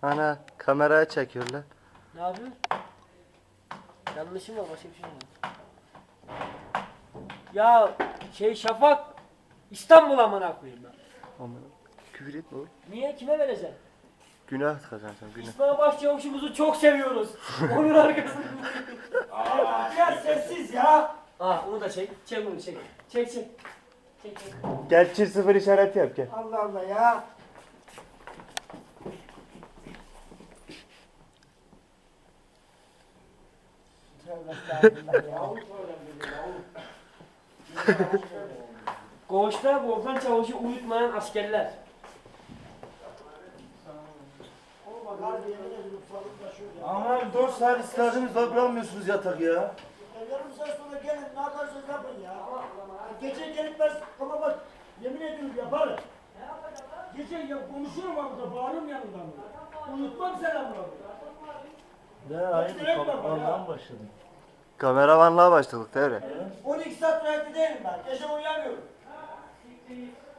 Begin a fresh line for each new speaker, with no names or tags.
Ana kameraya çekiyorlar.
Ne yapıyorsun? Yanlışım var, başka bir şey yok. Ya Şafak İstanbul amına koyayım ben.
Aman küfür etme oğlum.
Niye? Kime vereceksin?
Günah kazanacağım günah.
İsmail Başçavuş'umuzu çok seviyoruz. Onun arkasında.
Ya sessiz ya.
Onu da çek. Çek bunu çek. Çek. Çek.
Gel çift sıfır işareti yap gel.
Allah Allah ya. Tövbe estağfurullah ya.
Koğuşta Volkan Çavuş'u uyutmayan askerler.
Aman 4 saat istediniz da bırakmıyorsunuz yatak ya.
Yarım saat sonra gelin ne yaparsanız yapın ya. Gece gelip ben ama bak yemin ediyorum yaparım. Gece ya konuşurum burada bağırıyorum yanından. Unutmam selamını.
Ne aynı kapılardan başladım.
Kameramanlığa başladık devre.
12 saat rahatlı değilim ben. Gece uyuyamıyorum.